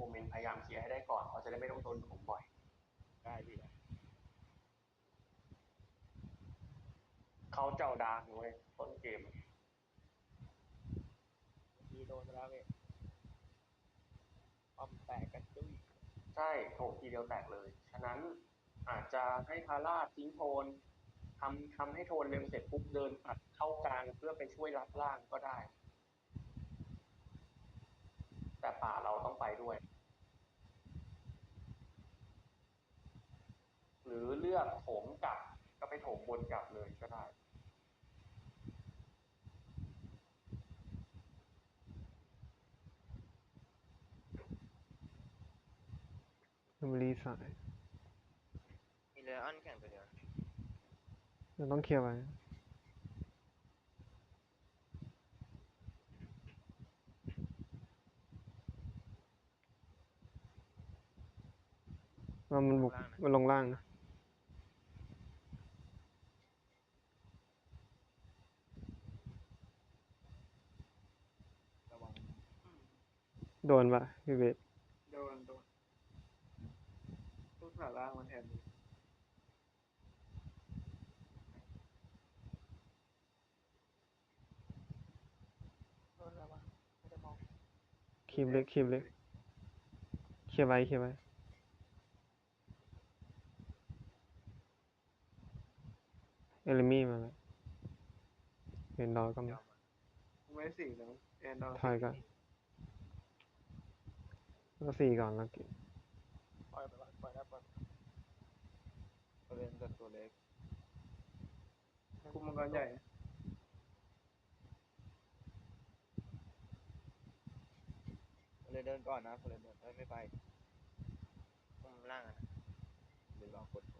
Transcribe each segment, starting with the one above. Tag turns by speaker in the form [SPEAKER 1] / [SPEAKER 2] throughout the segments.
[SPEAKER 1] เมนต์พยายามเคลียร์ให้ได้ก่อนเขาจะได้ไม่ต้องโดนผมบ่อย
[SPEAKER 2] ได้พี่
[SPEAKER 1] เขาเจ้าดาร์กเลยต้นเกม
[SPEAKER 2] มีโดนไปแล้วพี่ป้อมแตกกันจุ้ย
[SPEAKER 1] ใช่โถมทีเดียวแตกเลยฉะนั้นอาจจะให้ทาร่าทิ้งโทนทำให้โทนเร็วเสร็จปุ๊บเดินอัดเข้ากลางเพื่อไปช่วยรับล่างก็ได้แต่ป่าเราต้องไปด้วยหรือเลือกโถมกลับก็ไปโถมบนกลับเลยก็ได้
[SPEAKER 3] มันรีสาย
[SPEAKER 2] มีเลออนแข่งตัวเดียว
[SPEAKER 3] เราต้องเคลียร์ไว้ว่ามันบุกมันลงล่างนะ
[SPEAKER 2] ระวัง
[SPEAKER 3] โดนปะพี่เบส
[SPEAKER 2] โดนทุกขาล่างมันแทนโดนแล้ววะไม่ได้มอง
[SPEAKER 3] คีบเล็กเคลียร์ไว้เคลียร์ไว้เอลิมี่มาแล้วเห็นดอก็มา
[SPEAKER 2] ไม่สี่แล้วแอนดอร์
[SPEAKER 3] ถอยก่อนแล้ว4ก่อนแล้วกิน
[SPEAKER 2] ปล่อยไปก่อนปล่อยแล้วปล่อยเล่นกับตัวเล็กคุมมังกรใหญ่เลยเดินก่อนนะเลยเดินไม่ไปคุมล่างนะหรือลองกดโอ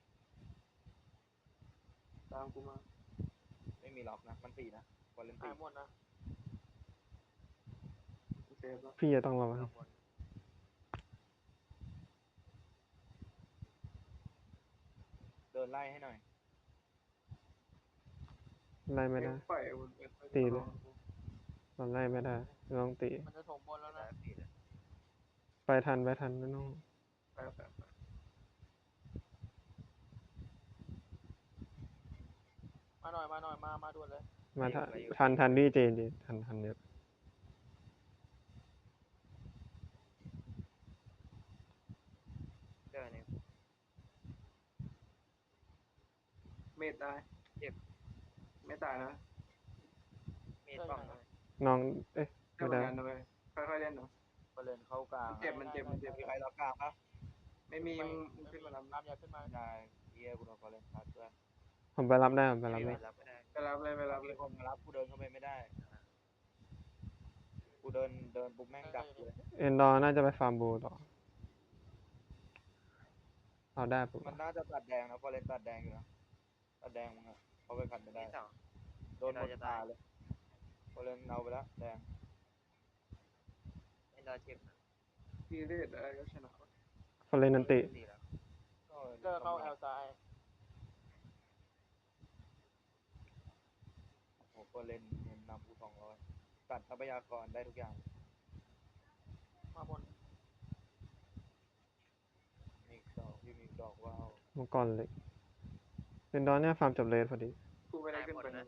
[SPEAKER 2] ตามกูมาไม่มีล็อกนะมันตีนะบอลเลนตีหมดนะเซฟแล้ว
[SPEAKER 3] พี่จะต้องระวัง
[SPEAKER 2] เดินไล่ให้หน่อย
[SPEAKER 3] ไล่ไม่ได้ตีเลยตอนไล่ไม่ได้ลองตี
[SPEAKER 2] มันจะถมบนแล้วนะ
[SPEAKER 3] ไปทันไม่ต้อง
[SPEAKER 2] ไปมาหน่อยมาด่วนเลย
[SPEAKER 3] มาทันดีเจนดิทันเยอะ
[SPEAKER 2] เจอเนี่ยเมตตายเจ็บไม่ตายนะเมตป้องนะ
[SPEAKER 3] น้องเอ๊ะ
[SPEAKER 2] ไม่
[SPEAKER 3] ไม่ได้
[SPEAKER 2] ได้ค่อยๆเล่นเนาะไปเล่นเข้ากลางมันเจ็บมีใครรับกลางปะไม่มีมึงขึ้นมารับอย่าขึ้นมาได้เฮียกูโดนพอเล่นชัดด้วย
[SPEAKER 3] ผมไปรับได้
[SPEAKER 2] ไปรับเลยคนมารับกูเดินเข้าไปไม่ได้กูเดินปุ๊บแม่งดับเลย
[SPEAKER 3] เอ็นดอร์น่าจะไปฟาร์มบูต่อเอาได้ปุ๊บ
[SPEAKER 2] มันน่าจะตัดแดงนะพอเล่นตัดแดงอยู่นะตัดแดงมึงอะเขาไปขัดไม่ได้โดนหมดตาเลยพอเล่นเอาไปแล้วแดงไม่ได้เจ็บทีเด็ดอะไรก็ชนะ
[SPEAKER 3] ฟอร์เรนนันติ
[SPEAKER 2] ก็เข้าแอลซ้ายโอ้โหพอเล่นนำกู200ตัดทรัพยากรได้ทุกอย่างมาบนมีดอกว้าว
[SPEAKER 3] มังกรเลยเอ็นดอร์เนี่ยฟาร์มจบเลสพอดี
[SPEAKER 2] กูไม่ได้ขึ้นไปนะ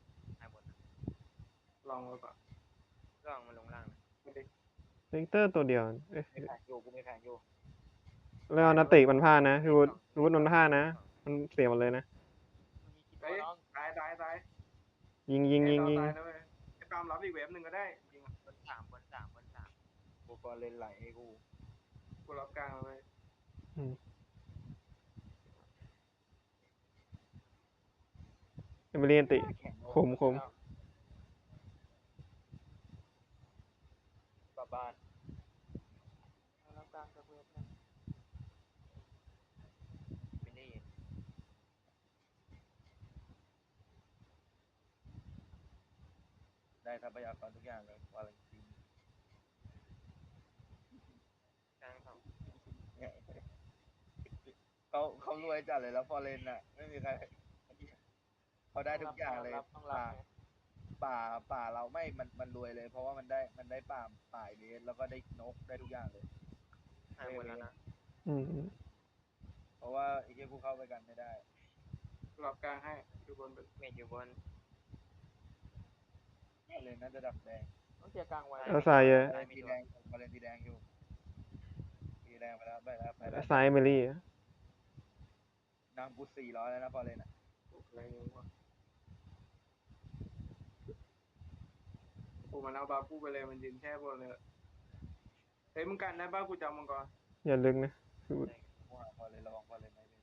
[SPEAKER 2] ลองไว้ก่อนลองมาลงล่าง
[SPEAKER 3] เลกเตอร์ตัวเดียวเอ๊ะ
[SPEAKER 2] ไม่แข่งอยู่กูไม่แข่งอยู่
[SPEAKER 3] แล้วนาติมันพลาดนะพี่วุฒิมันพลาดนะมันเสียหมดเลยนะ
[SPEAKER 2] ตาย
[SPEAKER 3] ยิง
[SPEAKER 2] ตายนะเว้ยไอ้ปามรับอีกเวฟหนึ่งก็ได้ยิงบนสามกูก็เล่นไหลให้กูรับกลางเลย
[SPEAKER 3] เอเมเรียนติคม
[SPEAKER 2] กลับบ้านรับกลางกับเวฟนะไม่ได้ได้ทรัพยากรทุกอย่างเลยวาเลนตินกลางเขารวยจัดเลยแล้วฟอเรนน่ะไม่มีใครเขาได้ทุกอย่างเลยป่าเราไม่มันรวยเลยเพราะว่ามันได้ป่าเบสแล้วก็ได้นกได้ทุกอย่างเลย
[SPEAKER 4] หายหมดแล้วนะ
[SPEAKER 3] อืม
[SPEAKER 2] เพราะว่าไอ้เหี้ยกูเข้าไปกันไม่ได้
[SPEAKER 5] หลับกลางให้ดูบนเป็น
[SPEAKER 4] เมจอยู่บน
[SPEAKER 2] เลยน่าจะดักแดง
[SPEAKER 5] ต้องเคลียร์กลางไว้
[SPEAKER 3] เอาซ้ายเยอะ
[SPEAKER 2] บอลเลนสีแดงบอลเลนสีแดงอยู่สีแดงไปแล้วไปแล้วไปแล้ว
[SPEAKER 3] ซ้ายเมลี่อะ
[SPEAKER 2] นางกู400แล้วนะบอลเลนอ่ะ
[SPEAKER 5] อะไรเงี้ยวะกูมันเอาบาปูไปเลยมันยืนแค่บนเลยเฮ้ยมึงกันได้ป่ะกูจำมังกร
[SPEAKER 3] อย่าลึกนะพี่วุฒิ
[SPEAKER 2] ว่าบอลเลนระวังบอลเลนไม่เป็น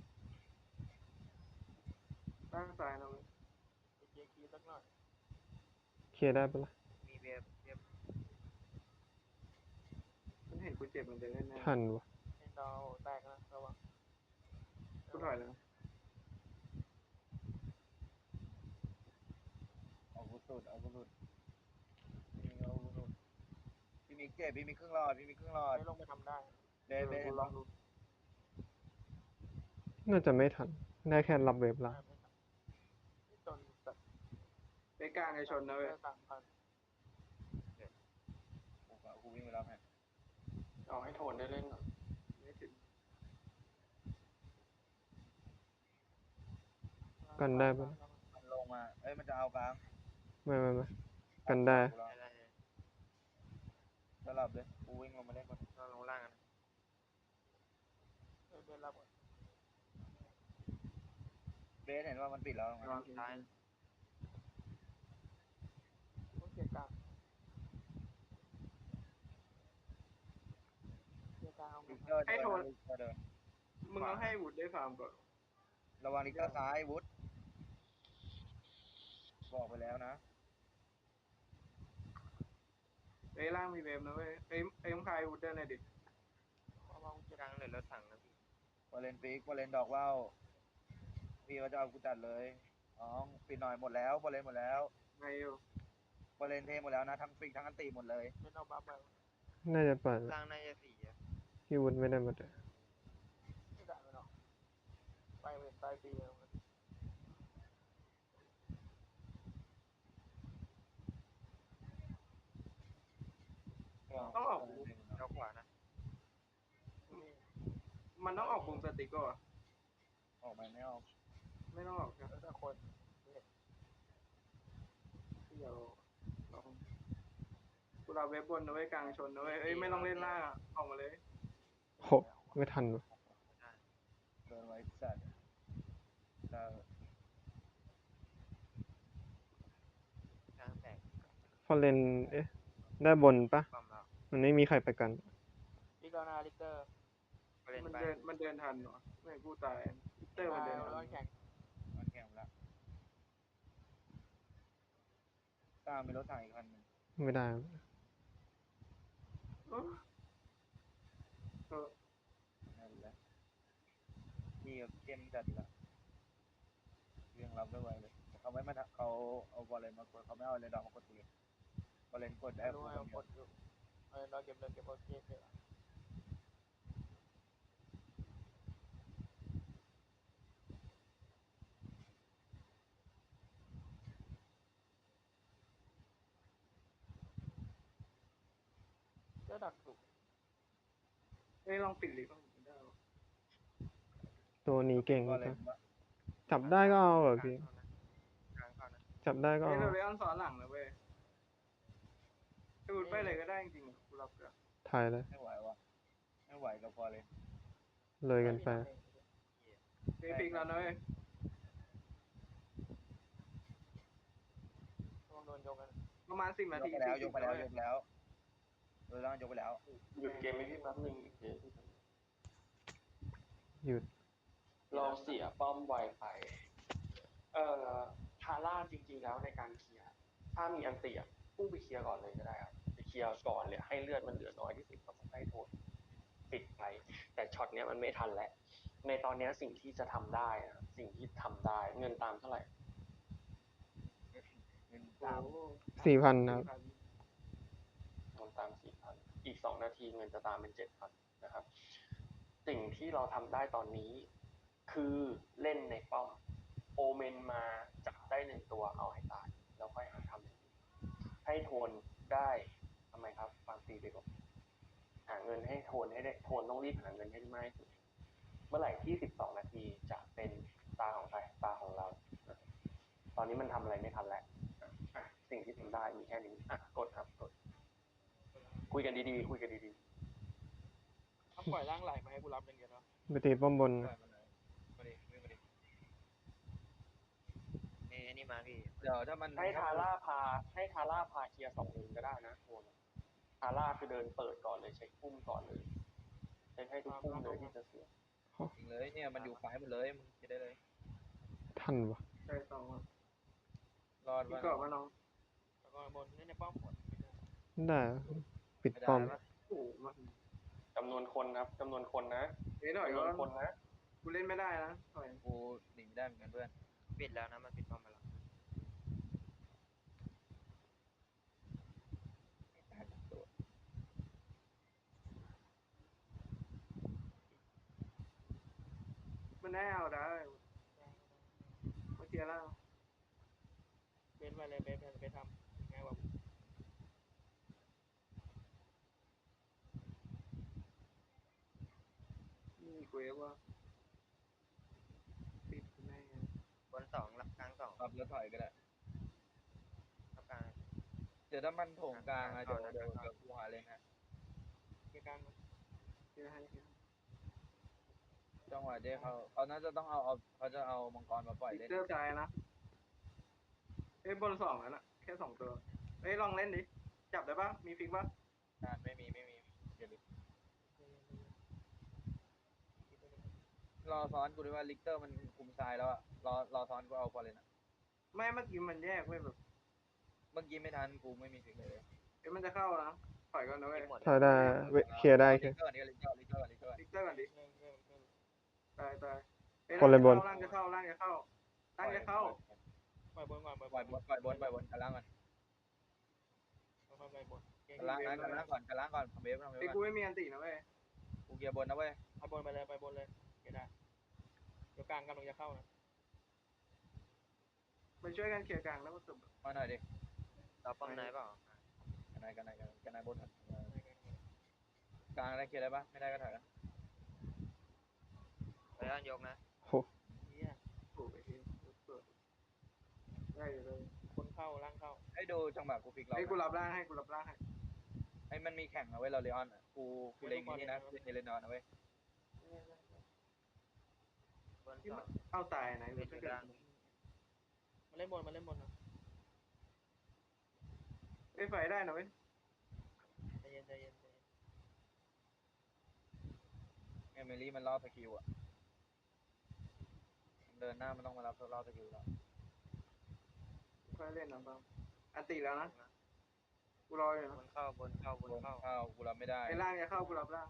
[SPEAKER 5] ตั้งซ้ายนะเว้ย
[SPEAKER 3] เคลียร์ได้ปะล่ะ
[SPEAKER 4] มีเวฟ
[SPEAKER 5] มันเห็นกูเจ็บมันจะเล่นแน่
[SPEAKER 3] ทันวะ
[SPEAKER 5] ดาวแตกนะระวังกูถอยแล้ว
[SPEAKER 2] เอากูสุดเอากูสุดเอากูสุดพี่มิกเจ็บพี่มิกครึ่งหลอดพี่มิกครึ่งหลอด
[SPEAKER 5] ไม่ลงไปทำได้
[SPEAKER 2] เบนเบน
[SPEAKER 5] ลองดู
[SPEAKER 3] น่าจะไม่ทัน ได้แค่รับเวฟละ
[SPEAKER 5] จนแบบไปกลางในชนนะเว้ย
[SPEAKER 2] กูวิ่งไปแล้วแม่
[SPEAKER 1] เอาให้โทนได้เล่นก่อน
[SPEAKER 5] ไม่ถึง
[SPEAKER 3] กันได้ปะ
[SPEAKER 2] มันลงมาเอ้ยมันจะเอากลาง
[SPEAKER 3] ไม่กันได้
[SPEAKER 4] อะไร
[SPEAKER 2] สลับเลยกูวิ่งลงมาเล่นก่อน
[SPEAKER 4] เราลงล่างกัน
[SPEAKER 2] เบสเห็นว่ามันปิดแล้ว
[SPEAKER 5] ระวัง
[SPEAKER 4] ซ้าย
[SPEAKER 5] ต้องเคลียร์กลางเคลียร์กลาง
[SPEAKER 2] ลิกเตอร์เดินลิกเตอร์เดิน
[SPEAKER 5] มึงต้องให้วุฒิได้ฟาร์มก่อน
[SPEAKER 2] ระวังลิกเตอร์ซ้ายวุฒบอกไปแล้วนะ
[SPEAKER 5] เอ้ยล่างมีเวฟนะเว้ยเอ้ยมึงคายวุฒิได้เลยดิ
[SPEAKER 4] กลางเหลือรถถังนะพี่
[SPEAKER 2] วอลเลนฟิกวอลเลนดอกว่าวพี่เขาจะเอากูจัดเลยอ๋อปิดหน่อยหมดแล้ววอลเลนหมดแล้ว
[SPEAKER 5] ไงอยู่
[SPEAKER 2] วอลเลนเทหมดแล้วนะทั้งฟิกทั้งอันตีหมดเลย
[SPEAKER 5] ไม่เอาบัฟไป
[SPEAKER 3] น่าจะปั่น
[SPEAKER 4] ล่างน่าจะ4อะ
[SPEAKER 3] พี่วุฒิไม่ได้มาเลย
[SPEAKER 5] ไม่ได้ไม่หรอกไปเว้ยตายปีแล้ว ต้องออก
[SPEAKER 4] เจ้าขวานะ
[SPEAKER 5] มันต้องออกปุ่มสติ๊กก่อน
[SPEAKER 2] ออกมาไม่ออก
[SPEAKER 5] ไม่ต้องออกนะถ้าคนเดี๋ยวลองกูเราเว็บบนนะเว้ยกลางชนนะเว้ยเอ้ยไม่ต้องเล่นล่างอะออกมาเลย
[SPEAKER 3] โหไม่ทันวะ
[SPEAKER 2] เดินไว้จัดแล้ว
[SPEAKER 4] กลางแตก
[SPEAKER 3] พอเลนเอ๊ะได้บนปะ
[SPEAKER 4] ความเรา
[SPEAKER 3] มันไม่มีใครไปกัน
[SPEAKER 5] ลิกนาลิกเตอร์
[SPEAKER 4] เล่น
[SPEAKER 5] มัน
[SPEAKER 4] ไป
[SPEAKER 5] เดินทันเหรอไม่กูตายลิกเตอร์มันเดินทัน
[SPEAKER 2] มันแข็งแล้วตามมีรถถังอีกคันหนึ่ง
[SPEAKER 3] ไม่ได้
[SPEAKER 2] นั่นแหละพี่กับเกมจัดละเรียงรับได้ไวเลยเขาไม่มาเขาเอาบอลเลนมากดเขาไม่เอาเลนดอกมากดตีบอลเลนกดได้กูคนเดียว
[SPEAKER 5] เราเก็บเลยเก็บโอเคเก็บก็ดักถูกเอ้ยลองปิดลิฟต์ได้
[SPEAKER 3] ตัวนี้เก่ง
[SPEAKER 2] บอลเล
[SPEAKER 3] ปะ
[SPEAKER 2] นปะ
[SPEAKER 3] จับได้ก็เอาเหร
[SPEAKER 4] ก
[SPEAKER 3] อ
[SPEAKER 4] ลาง
[SPEAKER 3] พี่
[SPEAKER 4] เข้านะกลางเข้านะ
[SPEAKER 3] จับได้ก็
[SPEAKER 5] เฮ้ย
[SPEAKER 3] เอา
[SPEAKER 5] เราเลออนซ้อนหลังนะเว้ยพูดไปเลยก็ได้จริงๆกูรับก็
[SPEAKER 3] ถ่ายเลย
[SPEAKER 2] ไม่ไหววะไม่ไหวกับบอลเลน
[SPEAKER 3] เลยกันไป
[SPEAKER 5] เฮ้ยปิกแล้วนะเว้ยโดนยกกันประมาณ10 นาที
[SPEAKER 2] ยกไปแล้วยกไปแล้วยกแล้วโดยล่างยกไปแล้ว
[SPEAKER 1] หยุดเกมไม่พี่แป๊บนึงเดี๋ยว
[SPEAKER 3] หยุด
[SPEAKER 1] เราเสียป้อมไวไปทาร่าจริงๆแล้วในการเคลียร์ถ้ามีอันเตียพุ่งไปเคลียร์ก่อนเลยก็ได้ครับไปเคลียร์ก่อนเลยให้เลือดมันเหลือน้อยที่สุดก็ให้โทษปิดไปแต่ช็อตเนี้ยมันไม่ทันแล้วในตอนเนี้ยสิ่งที่จะทำได้นะสิ่งที่ทำได้เงินตามเท่าไหร่
[SPEAKER 2] เป็น
[SPEAKER 5] โอ้
[SPEAKER 2] ตาม
[SPEAKER 5] โห
[SPEAKER 3] 4,000นะครับ
[SPEAKER 1] เงินตาม4,000อีก2 นาทีเงินจะตามเป็น7,000นะครับ สิ่งที่เราทำได้ตอนนี้คือเล่นในป้อมโอเมนมาจับได้1 ตัวเอาให้ตายแล้วค่อยหาทำอย่างอื่นให้โทนได้ทำไมครับฟาร์มตีไปก่อนหาเงินให้โทนให้ได้โทนต้องรีบหาเงินให้ได้มากที่สุดเมื่อไหร่ที่12 นาทีจะเป็นตาของใครตาของเรา ตอนนี้มันทำอะไรไม่ทันแล้วสิ่งที่ทำได้มีแค่นี้กดครับกดคุยกันดีๆคุยกันดี
[SPEAKER 5] ถ้าปล่อยร่างไหลมาให้กูรับอย่างเดียวเนาะ
[SPEAKER 3] ไปตีป้อมบน
[SPEAKER 2] ปล่อยมันเลยมาดิวิ่งมาดิ
[SPEAKER 4] นี่มาพี่
[SPEAKER 2] เดี๋ยวถ้ามัน
[SPEAKER 1] ๆให้ทาร่าพาเคลียร์2 เลนก็ได้นะโทนทาร่าคือเดินเปิดก่อนเลยเช็คพุ่มก่อนเลยเช็คให้ทุกพุ่มเลยที่จะเสีย
[SPEAKER 2] จริงเลยเนี่ยมันอยู่ซ้ายหมดเลยมึงจะได้เลย
[SPEAKER 3] ทันวะ
[SPEAKER 5] ใช่สองอ่ะ
[SPEAKER 2] รอด
[SPEAKER 5] พี่
[SPEAKER 2] วะ
[SPEAKER 5] กรอบมาน้อง
[SPEAKER 6] แล้วก็บนเล่นในป้อมหมด
[SPEAKER 3] ได้ปิด
[SPEAKER 2] ไม่ได้
[SPEAKER 3] ป้อม
[SPEAKER 2] ปะ
[SPEAKER 5] โอ้โหมัน
[SPEAKER 1] จำนวนคนครับจำนวนคนนะ
[SPEAKER 5] หน่อย
[SPEAKER 1] จำน
[SPEAKER 5] ก็
[SPEAKER 1] วนคนนะ
[SPEAKER 5] กูเล่นไม่ได้นะถอย
[SPEAKER 2] กูหนีไม่ได้เหมือนกันเพื่อน
[SPEAKER 4] ปิดแล้วนะมันปิดป้อมไปแล้ว
[SPEAKER 2] ตายจากตัว
[SPEAKER 5] มันได้เอาได้มาเคลียร์ล่าง
[SPEAKER 6] เบสมาเลยเบสทำง่ายกว่า
[SPEAKER 5] นี่กูเอฟว่าปิดแน่
[SPEAKER 4] บน2หลักกลาง2
[SPEAKER 2] ปรับแล้วถอยก็ได้
[SPEAKER 4] หลักกลาง
[SPEAKER 2] เดี๋ยวถ้ามันโถงกลางอะเดี๋ยวกูหาเลนฮะ
[SPEAKER 6] เกี่ยวกัน
[SPEAKER 5] เคลียร์ให้เคลียร์
[SPEAKER 2] จังหวะเจ๊เขาน่าจะต้องเขาจะเอามังกรมาปล่อย
[SPEAKER 5] ลิ
[SPEAKER 2] เล่น
[SPEAKER 5] เตอร์ใจนะเอ้ยบน2แล้วน่ะแค่2 ตัวเอ้ยลองเล่นดิจับได้ปะมีฟิกปะ
[SPEAKER 2] ไม่มีอย่าลืมรอซ้อนกูด้วยว่าลิกเตอร์มันคุมซ้ายแล้วอะรอซ้อนกูเอาพอเลยนะ
[SPEAKER 5] ไม่เมื่อกี้มันแยกไว้แบบ
[SPEAKER 2] เมื่อกี้ไม่ทันกูไม่มีฟิกเลย
[SPEAKER 5] เอ้ยมันจะเข้านะถอยก่อนนะเว้ย
[SPEAKER 4] หมด
[SPEAKER 3] ถ้าได้เคลียร์ได้เคลี
[SPEAKER 2] ลิ
[SPEAKER 3] ย
[SPEAKER 2] ก
[SPEAKER 3] ร์
[SPEAKER 2] เตอร์นี่ก็ลิกเตอร์
[SPEAKER 5] ลิกเตอร์ก่อนดิ
[SPEAKER 6] เริ่ม
[SPEAKER 5] ตายอ้
[SPEAKER 3] คนเลยบน
[SPEAKER 5] ร่างจะเข้าร่างจะเข้า
[SPEAKER 6] ปล่อยบนก่อนปล่อย
[SPEAKER 2] ปล่อยบนกันล่างก่อน
[SPEAKER 6] ค่อยไปบน
[SPEAKER 2] กันล่างก่อนเบฟ
[SPEAKER 5] ไอ้ยกูไม่มีอันตีนะเว้ย
[SPEAKER 2] กูเกียร์บนนะเว้ย
[SPEAKER 6] ไปบนไปเลยเกี่ยวได้เดี๋ยวกลางกำลังจะเข้านะ
[SPEAKER 5] ไปช่วยกันเคลียร์กลางแล้วก็จบ
[SPEAKER 2] มาหน่อยดิ
[SPEAKER 4] เราป้อมไหนเปล่า
[SPEAKER 2] กันนายบนกลางได้เคลียร์ได้ปะไม่ได้ก็ถอยนะ
[SPEAKER 4] ไปด้านยกนะ
[SPEAKER 3] โห
[SPEAKER 6] เฮีย
[SPEAKER 5] โอ้ยเฮ้ยเปิดได้อยู่เลย
[SPEAKER 6] คนเข้าล่างเข้า
[SPEAKER 2] ให้ดูจังหวะกูฟิกเรา
[SPEAKER 5] ไอ้ยกูรับร่างให้กูรับร่างให้
[SPEAKER 2] ไอ้มันมีแข่งนะเว้ยเราเลออนกูเล็งนี่นะเลนอนนะเว้ย
[SPEAKER 4] บน
[SPEAKER 5] ที่
[SPEAKER 4] 2
[SPEAKER 5] มันเอาตายไหน
[SPEAKER 4] ปิ
[SPEAKER 5] เว้
[SPEAKER 4] ด
[SPEAKER 5] ย
[SPEAKER 4] อยู่ล่าง
[SPEAKER 6] มาเล่นบนนะ
[SPEAKER 5] ไอ้ยไฟได้นะเว้ย
[SPEAKER 6] ใจเย็น
[SPEAKER 2] เอมิลี่มันรอสกิลอะเดินหน้ามันต้องมารับรอสกิลแล้ว
[SPEAKER 5] ไฟเล่นนะบ้างอันตีแล้วนะกูรออยู่
[SPEAKER 4] บ
[SPEAKER 5] นะ
[SPEAKER 4] นเข้าบนเข้า
[SPEAKER 2] เข้ากูรับไม่ได้
[SPEAKER 5] ไอ้ร่างจะเข้ากูรับร่าง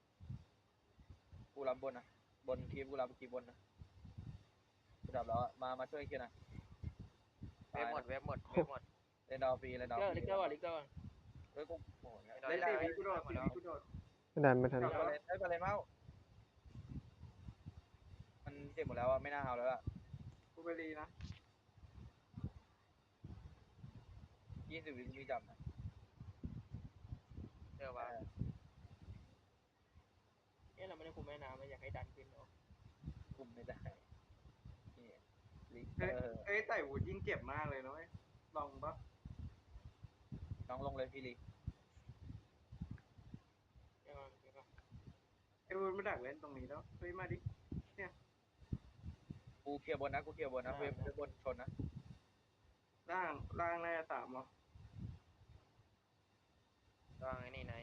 [SPEAKER 2] กูรับบนนะบนคลิปกูรับคลิปบนนะกูดับแล้วมาช่วยเคลียร์นะ
[SPEAKER 4] เว็บหมด
[SPEAKER 2] เล่นดาวฟรีเล่นดาวฟรี
[SPEAKER 6] ลิกเกอร์ก่อน
[SPEAKER 2] เฮ้ยกูโห
[SPEAKER 5] เล่นตีวีกูโดดตีวีกูโดด
[SPEAKER 3] ไม่ได้ไม่ทัน
[SPEAKER 2] ไปเลยเมามันเจ็บหมดแล้วอะไม่น่าเอาแล้วอะ
[SPEAKER 5] กูไปรีนะ
[SPEAKER 2] 20 วิมีจับนะ
[SPEAKER 4] เจอว่า
[SPEAKER 6] เราไม่ได้คุมแม่น้ำอยากให้ดันขึ้นเนาะ
[SPEAKER 2] คุมไม่ได้นี่ลิกเต
[SPEAKER 5] เอ้ย
[SPEAKER 2] อร์
[SPEAKER 5] เอ้ยไต่วูดยิ่งเจ็บมากเลยนะเว้ยลองปะ
[SPEAKER 2] น้องลงเลยพี่ลิ
[SPEAKER 6] เดี๋ยวก่อน
[SPEAKER 5] ไอ้วูดมาดักเล่นตรงนี้แล้วเฮ้ยมาดิ
[SPEAKER 2] กูเคลียร์บนนะเว็บบนชนนะ
[SPEAKER 5] ร่างน่าจะ3เหรอ
[SPEAKER 4] วางไอ้นี่ใน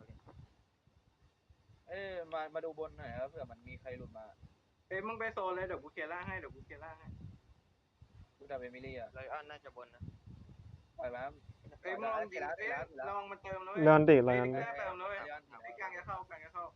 [SPEAKER 2] มาดูบนหน่อยครับเผื่อมันมีใครหลุดมา
[SPEAKER 5] เอ้ยมึงไปโซนเลยเดี๋ยวกูเคลียร์ร่างให้
[SPEAKER 2] กูดับเอมิลี่อะ
[SPEAKER 4] ไลออนน่าจะบนนะ
[SPEAKER 2] ปล่อยมา
[SPEAKER 5] เอ้ยมึงลองยิงเอ้ยลองมันเติมนะเว้ย
[SPEAKER 3] เลื่อนติด
[SPEAKER 5] เอ้
[SPEAKER 3] แล้
[SPEAKER 5] ยว
[SPEAKER 3] กัน
[SPEAKER 5] ลิกเตอร์เติมนะเว้ยไอ้กลางจะเข้า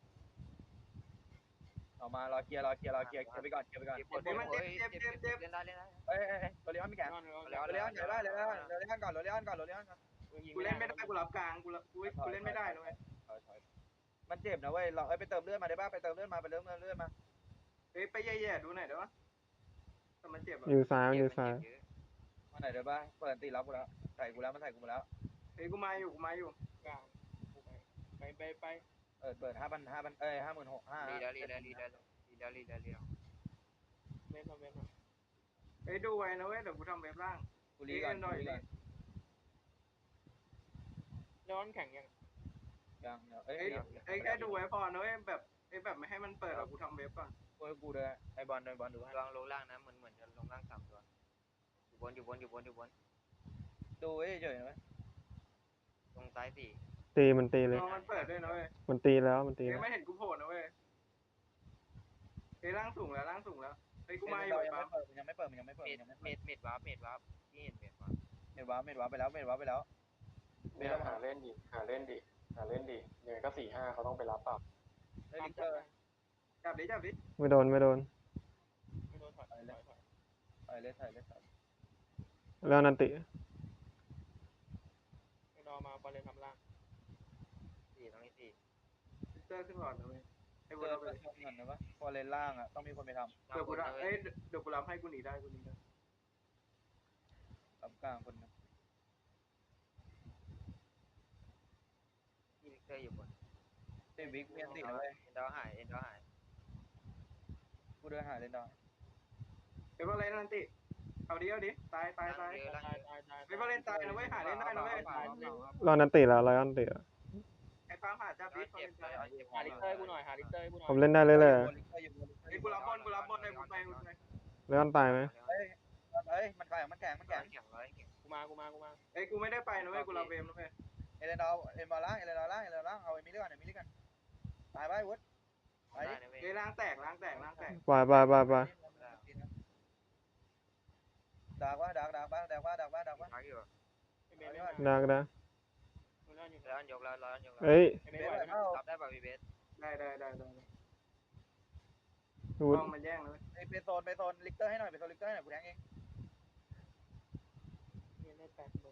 [SPEAKER 2] ออกมารอเคลียร์ไปก่อน
[SPEAKER 4] เล่นได้
[SPEAKER 2] เอ้ยโรเลออนมีแกนโรเลออนใหญ่บ้านเลยโรเลออนก่อน
[SPEAKER 5] กูเล่นไม่ได้กูรับกลางกูเล่นไม่ได้นะเว้ย
[SPEAKER 2] มันเจ็บนะเว้ยเราไปเติมเลือดมาได้ป่ะไปเติมเลือดมา
[SPEAKER 5] เอ้ยไปแย่ๆดูหน่อยได้ปะแต่มันเจ็บอ่ะ
[SPEAKER 3] อยู่ซ้ายอยู่ซ้าย
[SPEAKER 2] มาไหนได้ป่ะเปิดตีรับกูแล้วใส่กูแล้วมันใส่กูมาแล้ว
[SPEAKER 5] เอ้ยกูมาอยู่
[SPEAKER 6] กลางไป
[SPEAKER 2] เปิด5,000 56,500
[SPEAKER 4] รีแล้วรีแล้วรีแล้วรีแล้วรีแล้วรีแล้ว
[SPEAKER 6] เว็บมาเว็บมา
[SPEAKER 5] เฮ้ยดูไว้นะเว้ยเดี๋ยวกูทำเว็บล่าง
[SPEAKER 2] กูรีก่อน
[SPEAKER 5] หน่อย
[SPEAKER 2] กูรีก่อน
[SPEAKER 6] ร้อนแข็งยัง
[SPEAKER 2] ยังเดี๋ยวเอ้ย
[SPEAKER 5] เอ้ยแค่ดูไว้พอนะเว้ยแบบแบบไม่ให้มันเปิดหรอกกูทำเว็บก่อน
[SPEAKER 2] กูด้วยไอ้บอลดูให้
[SPEAKER 4] ลองลงล่างนะเหมือนจะลงล่าง3 ตัวอยู่บน
[SPEAKER 2] ดูเฉยๆนะเว้ย
[SPEAKER 4] ตรงซ้าย4
[SPEAKER 3] ตีมันตีเลย
[SPEAKER 5] รอมันเปิดด้วยนะเว้ย
[SPEAKER 3] มันตีแล้วมันตี
[SPEAKER 5] เอ้
[SPEAKER 3] แล้
[SPEAKER 5] ยว ไม่เห็นกูโผล่นะเว้ยเอ้ยล่างสูงแล้วเฮ้ยกูมาอยู่
[SPEAKER 2] ยัง
[SPEAKER 5] ปั๊
[SPEAKER 2] ไม่
[SPEAKER 5] ม
[SPEAKER 2] เปิดยังไม่เปิด
[SPEAKER 4] เมดวาร์ปที่เห็นเมดวาร์ป
[SPEAKER 2] เมดว้าไปแล้ว
[SPEAKER 1] เนี่ยหาเล่นดิยังไงก็4-5เขาต้องไปรับเปล่า
[SPEAKER 2] เฮ้ย
[SPEAKER 6] ตาม
[SPEAKER 2] ลิกเต
[SPEAKER 6] จั
[SPEAKER 2] อบ ร์
[SPEAKER 5] จับดิ
[SPEAKER 3] ไม่โดน
[SPEAKER 6] ไม่โดนถอย
[SPEAKER 2] ถ่ายเลย
[SPEAKER 3] แล้วนันติ
[SPEAKER 6] ไม่รอมาบอลเลนทำล่าง
[SPEAKER 4] 4ตรงนี้4
[SPEAKER 5] ลิเตอร์ขึ้นก่อนนะเว้ยไอ้
[SPEAKER 2] เจ
[SPEAKER 5] บุ
[SPEAKER 2] อ
[SPEAKER 5] เราไป
[SPEAKER 2] เพื่อนชมกันนะวะพอเลนล่างอ่ะต้องมีคนไปท
[SPEAKER 5] เดี๋ยวกูรับเอ้ยเดี๋ยวกูรับให้กูหนีได้
[SPEAKER 2] ำรับกลางคนนึง
[SPEAKER 4] ที่ลิกเตอร์อยู่บน
[SPEAKER 2] เฮ้ยวิกเมียนตินะเว้ย
[SPEAKER 4] เอ็นดอร์หาย
[SPEAKER 2] กูเดินหาเลนดาว
[SPEAKER 5] เฮ้ยบอลเลนนันติเอาดิตาย
[SPEAKER 6] ตาย
[SPEAKER 5] เฮ้ยบอลเลนตายนะเว้ยหาเล่นได้นะเว้ย
[SPEAKER 3] รอนันติแล้วรอนันติแล้ว
[SPEAKER 5] ไอ้ปั๊มหาจับดิ
[SPEAKER 4] เจ็บเลย
[SPEAKER 6] หาลิเตอร์กูหน่อยหาลิเตอร์กูหน่อย
[SPEAKER 3] ผมเล่นได้เลย
[SPEAKER 5] เฮ้ยกูรับบอลเลยกูไป
[SPEAKER 3] แล้วมันตายไหม
[SPEAKER 2] เฮ้ยมันแข็ง
[SPEAKER 4] แข็ง
[SPEAKER 6] กูมา
[SPEAKER 5] เฮ้ยกูไม่ได้ไปนะเว้ยกูรับเวมนะเว้ย
[SPEAKER 2] เอเลนดาวล่างเอาเอมิลี่ก่อนตายไปวุฒไป
[SPEAKER 4] ได้
[SPEAKER 2] ดิ
[SPEAKER 4] นะเว้ย
[SPEAKER 5] เฮ้ยล้างแตก
[SPEAKER 3] ไป
[SPEAKER 2] ดักว่า
[SPEAKER 4] พักอยู่
[SPEAKER 6] ไม่เบส
[SPEAKER 3] ดัก
[SPEAKER 6] ร้อนอยู่
[SPEAKER 4] ร้อนยกแล้ว
[SPEAKER 3] เฮ้ย
[SPEAKER 6] ไม่เบสไหวไหม
[SPEAKER 4] รับได้ป่ะพี่เบส
[SPEAKER 5] ได้
[SPEAKER 3] ดู
[SPEAKER 5] ต้องมันแย่งนะเว้ย
[SPEAKER 2] ไปโซนลิกเตอร์ให้หน่อยกูแทงเอง
[SPEAKER 6] เนี่ยได้80,000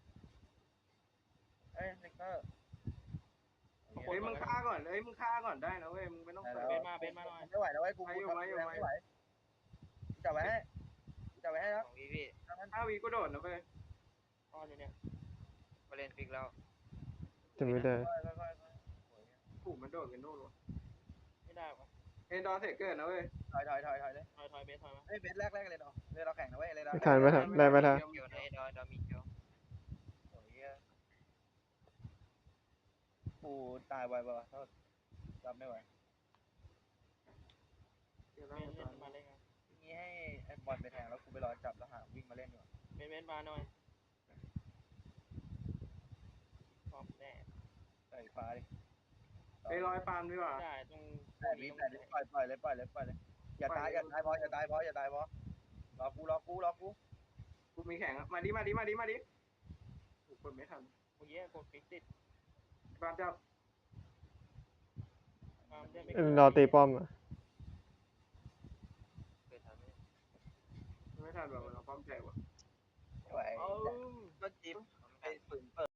[SPEAKER 2] ลิกเตอร์
[SPEAKER 5] เฮ้ยมึงฆ่าก่อนได้นะเว้ยมึงไม่ต้องเปิด
[SPEAKER 6] เบสมาหน่อย
[SPEAKER 2] ไม่ไหวแล้วกูไม่ไหวจับไว้ให้แล้ว
[SPEAKER 4] ของพี่
[SPEAKER 5] 5 วิกูโดดนะเว้ย
[SPEAKER 6] อ้อนอยู่เนี่ย
[SPEAKER 4] มาเล่นฟิกแล้ว
[SPEAKER 3] จะไม่ได้
[SPEAKER 5] ถูกมันโดดกันโน่นวะ
[SPEAKER 6] ไม่ได้วะ
[SPEAKER 5] เอ็นดอร์เสกเกิดนะเว้ย
[SPEAKER 2] ถอยเลย
[SPEAKER 6] ถอยเบสถอยมา
[SPEAKER 2] เบสแรกเลยเนาะเลยเราแข่งนะเว้ยเลยเรา
[SPEAKER 3] ไม่ทันได้ไม่ทัน
[SPEAKER 4] เกี่ยวในดอมีเกี่ยว
[SPEAKER 2] กูตายไวป่ะรับไม่ไหว
[SPEAKER 5] เดี๋ยว
[SPEAKER 6] เบ
[SPEAKER 5] เรา
[SPEAKER 6] สเล่นมาเล่นกัน
[SPEAKER 2] นี่ให้ไอ้บอลไปแทงแล้วกูไปรอจับแล้วหาวิ่งมาเล่นดีกว่า
[SPEAKER 6] เบสมาหน่อยพร้อมแน่
[SPEAKER 2] ใส่ฟ้าดิ
[SPEAKER 5] ไปรอยปาล์มดีกว่า
[SPEAKER 6] ได้ตรง
[SPEAKER 2] แต่ปล่อยเลยอย่าตายพอรอกู
[SPEAKER 5] กูมีแข่งมาดิถูกเปิดไม่ทัน
[SPEAKER 6] เมื่อกี้กดฟิกติด
[SPEAKER 5] ปาล์มจับ
[SPEAKER 3] รอตีป้อม
[SPEAKER 4] เกิดทันไหม
[SPEAKER 5] ไม่ทันแบบเราพร้อมใจว่ะ
[SPEAKER 2] ไม่ไหว
[SPEAKER 6] เอา
[SPEAKER 2] ก็จิ๊บไอ้ฝืนเปิด